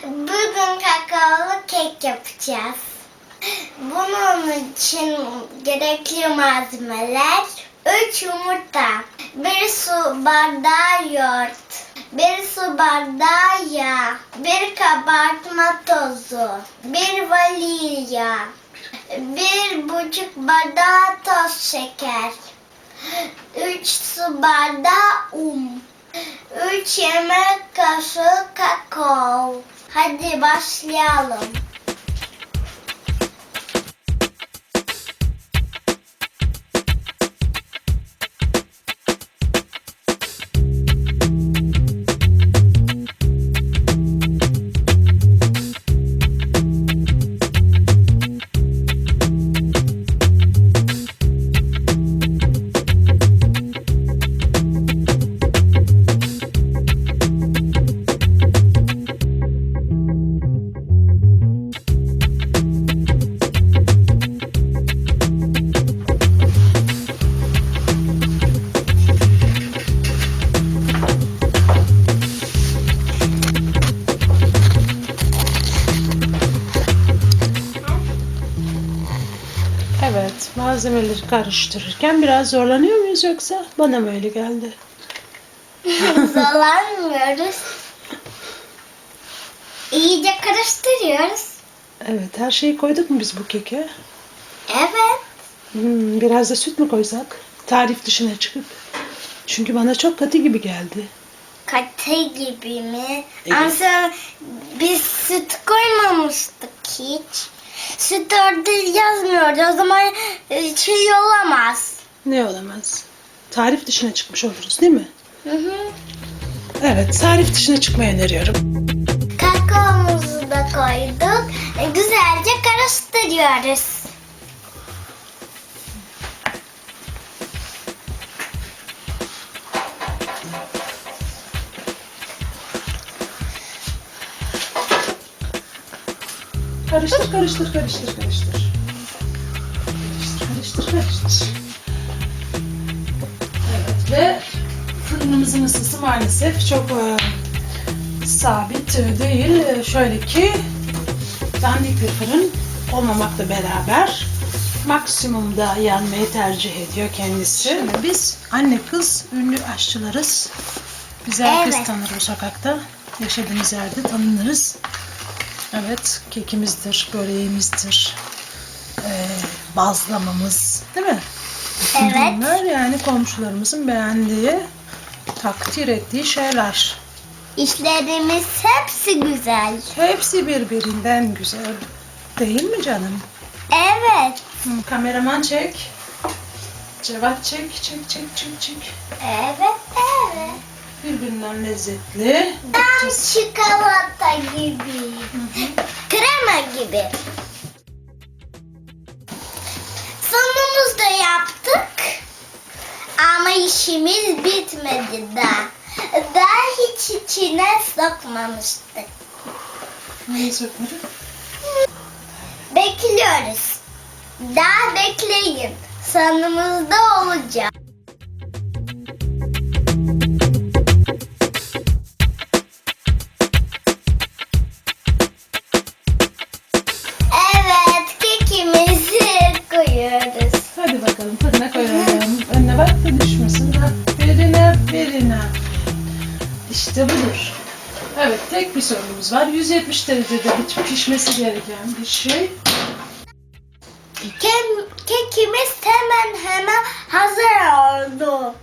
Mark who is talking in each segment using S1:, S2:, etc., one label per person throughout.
S1: Bugün kakaolu kek yapacağız. Bunun için gerekli malzemeler 3 yumurta, 1 su bardağı yoğurt, 1 su bardağı yağ, 1 kabartma tozu, 1 vanilya, 1,5 bardağı toz şeker, 3 su bardağı un, 3 yemek kaşığı kakao. Hadi başlayalım.
S2: Evet, malzemeleri karıştırırken biraz zorlanıyor muyuz yoksa bana mı öyle geldi?
S1: Zorlanmıyoruz. İyice karıştırıyoruz.
S2: Evet, her şeyi koyduk mu biz bu keke?
S1: Evet.
S2: Biraz da süt mü koysak? Tarif dışına çıkıp. Çünkü bana çok katı gibi geldi.
S1: Katı gibi mi?
S2: Evet.
S1: Ama sonra biz süt koymamıştık hiç. Süt orada yazmıyordu. O zaman şey olamaz.
S2: Ne olamaz? Tarif dışına çıkmış oluruz değil mi?
S1: Hı hı.
S2: Evet, tarif dışına çıkmayı öneriyorum.
S1: Kakaomuzu da koyduk. Güzelce karıştırıyoruz.
S2: Karıştır, karıştır, karıştır, karıştır. Karıştır, karıştır, karıştır. Evet ve fırınımızın ısısı maalesef çok sabit değil. Şöyle ki dandik bir fırın olmamakla beraber maksimumda yanmayı tercih ediyor kendisi. Şimdi biz anne kız ünlü aşçılarız. Bizi herkes
S1: Evet.
S2: tanır bu sokakta. Yaşadığımız yerde tanınırız. Evet, kekimizdir, böreğimizdir, bazlamamız, değil mi?
S1: Evet.
S2: Bunlar yani komşularımızın beğendiği, takdir ettiği şeyler.
S1: İşlerimiz hepsi güzel.
S2: Hepsi birbirinden güzel. Değil mi canım?
S1: Evet.
S2: Kameraman çek. Cevat çek, çek, çek, çek, çek.
S1: Evet, evet.
S2: Birbirinden lezzetli.
S1: Tam çikolata gibi. Krema gibi. Sonumuzda yaptık. Ama işimiz bitmedi daha. Daha hiç içine sokmamıştık.
S2: Neyi sökmedin?
S1: Bekliyoruz. Daha bekleyin. Sonumuzda olacak. Evet, kekimizi koyuyoruz.
S2: Hadi bakalım fırına koyalım. Önüne bak da düşmesin. Aferin, aferin. İşte budur. Evet, tek bir sorunumuz var. 170 derecede pişmesi gereken bir şey.
S1: Kekimiz hemen hazır oldu.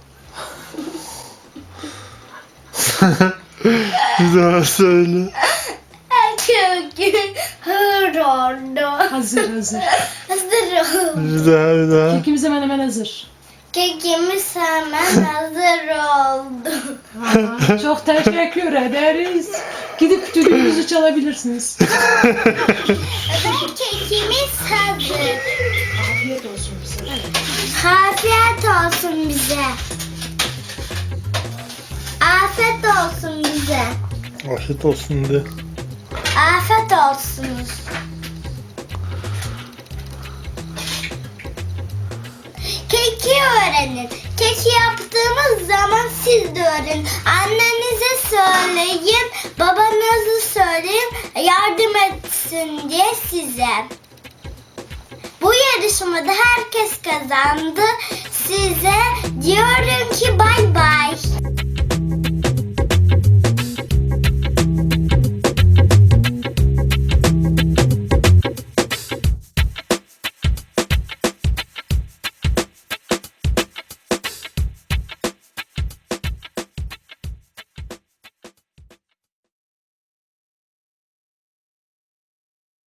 S3: Bir daha söyle.
S1: Keki hazır oldu.
S2: Hazır.
S1: Hazır oldu.
S3: Bir daha.
S2: Kekimiz hemen hazır.
S1: Kekimiz hemen hazır oldu.
S2: Çok teşekkür ederiz. Gidip düdüğünüzü çalabilirsiniz.
S1: Ve kekimiz hazır.
S2: Afiyet olsun bize.
S1: Afiyet olsun bize. Afiyet olsun bize.
S3: Afiyet olsun de.
S1: Afiyet olsunuz. Keki öğrenin. Keki yaptığımız zaman siz de öğrenin. Annenize söyleyin, babanıza söyleyin. size. Bu yarışmada herkes kazandı. Size diyorum ki bay bay.